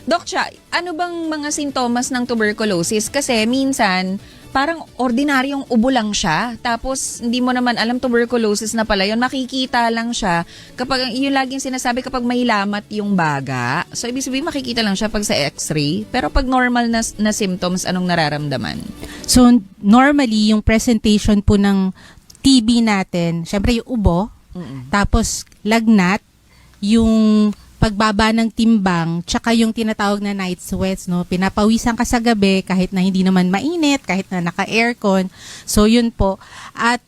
Doc Cha, ano bang mga sintomas ng tuberculosis? Kasi minsan, parang ordinaryong ubo lang siya. Tapos, hindi mo naman alam tuberculosis na pala yun. Makikita lang siya kapag, yung laging sinasabi kapag may lamat yung baga. So, ibig sabihin, makikita lang siya pag sa x-ray. Pero pag normal na symptoms, anong nararamdaman? So, normally, yung presentation po ng TB natin, syempre yung ubo, tapos lagnat, yung pagbaba ng timbang, tsaka yung tinatawag na night sweats, no? Pinapawisan ka sa gabi kahit na hindi naman mainit, kahit na naka-aircon. So, yun po. At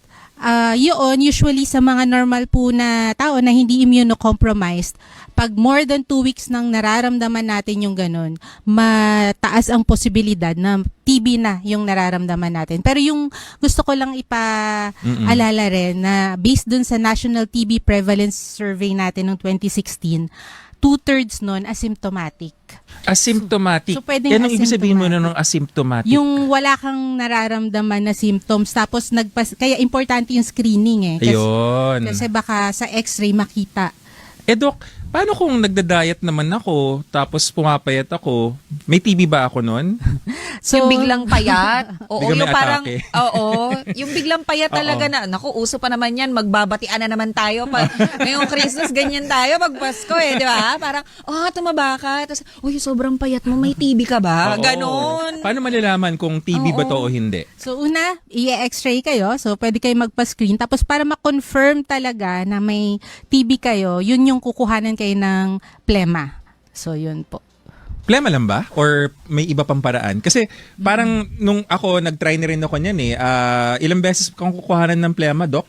yun, usually sa mga normal po na tao na hindi immunocompromised, pag more than 2 weeks nang nararamdaman natin yung ganun, mataas ang posibilidad na TB na yung nararamdaman natin. Pero yung gusto ko lang ipaalala rin na based dun sa National TB Prevalence Survey natin noong 2016, 2/3 nun asymptomatic. Asymptomatic. So, pwedeng Yan ang ibig sabihin mo na asymptomatic. ng asymptomatic. Yung wala kang nararamdaman na symptoms, tapos kaya importante yung screening eh. Ayun. Kasi baka sa x-ray makita. Doc, paano kung nagda-diet naman ako, tapos pumapayat ako, may TB ba ako nun? So, Yung biglang payat. Oo, Biglang may yung parang, atake. oo, yung biglang payat talaga Oo. na, naku, uso pa naman yan, magbabatian na naman tayo. Ngayong Christmas, ganyan tayo, pag Pasko di ba? Parang, tumaba ka. Tapos, uy, sobrang payat mo, may TB ka ba? Oo. Ganon. Paano malalaman kung TB ba Oo. to o hindi? So una, i-x-ray kayo. So pwede kayo magpa-screen. Tapos para ma-confirm talaga na may TB kayo, yun yung kukuhanan kayo ng plema. So yun po. Plema lang ba? Or may iba pang paraan? Kasi parang nung ako, nag-try na rin ako niyan eh. Ilang beses kang kukuhanan ng plema, Doc?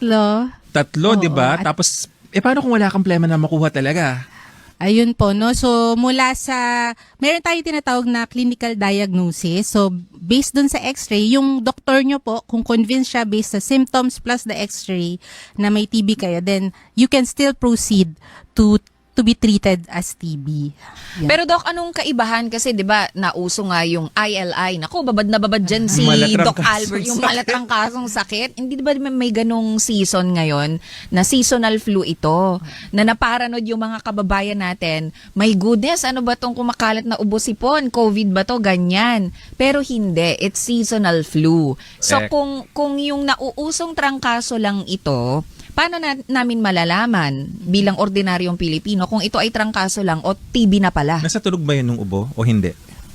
3. 3, di ba? at- Tapos, paano kung wala kang plema na makuha talaga? Ayun po, no? So, mula sa, meron tayong tinatawag na clinical diagnosis. So, based dun sa x-ray, yung doktor nyo po, kung convinced siya based sa symptoms plus the x-ray na may TB kayo, then you can still proceed to be treated as TB. Yan. Pero Doc, anong kaibahan? Kasi 'di ba nauso nga yung ILI. Naku, babad na babad dyan si Malatrang Doc kasong Albert. Yung sakit. malatrang kasong sakit. Hindi ba may ganong season ngayon na seasonal flu ito? Na naparanod yung mga kababayan natin. My goodness, ano ba tong kumakalat na ubo sipon? COVID ba to? Ganyan. Pero hindi. It's seasonal flu. So Correct. kung yung nauusong trangkaso lang ito, paano namin malalaman bilang ordinaryong Pilipino kung ito ay trangkaso lang o TB na pala? Nasa tulog ba yun ng ubo o hindi?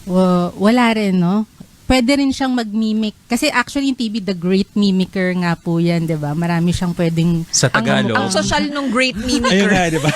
Wala rin, no? Pwede rin siyang mag-mimic. Kasi actually, yung TB, the great mimicker nga po yan, di ba? Marami siyang pwedeng... Sa Tagalog. Ang social nung great Ayun mimicker. nga, di ba?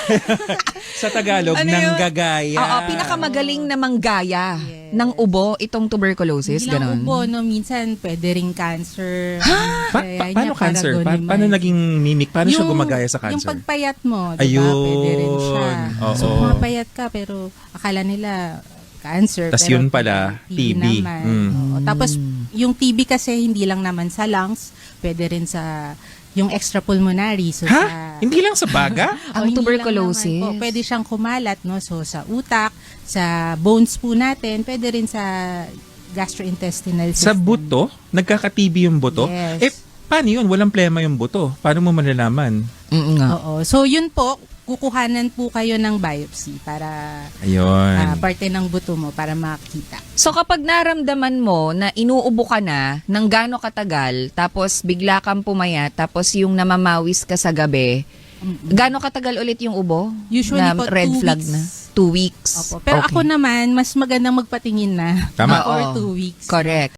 Sa Tagalog, Ano yun? nanggagaya. Oo, pinakamagaling na manggaya ng ubo itong tuberculosis, Hindi lang ganon. ubo, no? Minsan, pwede rin cancer. Paano cancer? Paano naging mimic? Paano siya gumagaya sa cancer? Yung pagpayat mo, di ba? Ayun. Pwede rin siya. Oo. So, pumapayat ka, pero akala nila cancer. Tas pero yun pala, TB. naman. Mm. Oo. Tapos, yung TB kasi hindi lang naman sa lungs, pwede rin sa yung extrapulmonary. So, Hindi lang sa baga? Ang hindi lang tuberculosis. naman po. Pwede siyang kumalat, no? So, sa utak, sa bones po natin, pwede rin sa gastrointestinal Sa system. buto? Nagkaka-TB yung buto? Yes. Paano yun? Walang plema yung buto. Paano mo malalaman? Oo. So, yun po, kukuhanan po kayo ng biopsy para Ayun. parte ng buto mo para makita. So kapag naramdaman mo na inuubo ka na ng gaano katagal, tapos bigla kang pumayat, tapos yung namamawis ka sa gabi, gaano katagal ulit yung ubo? Usually na po, red 2 flag weeks. na? 2 weeks. Opo. Pero Okay. ako naman, mas magandang magpatingin na. Tama. Or Oo. 2 weeks. Correct.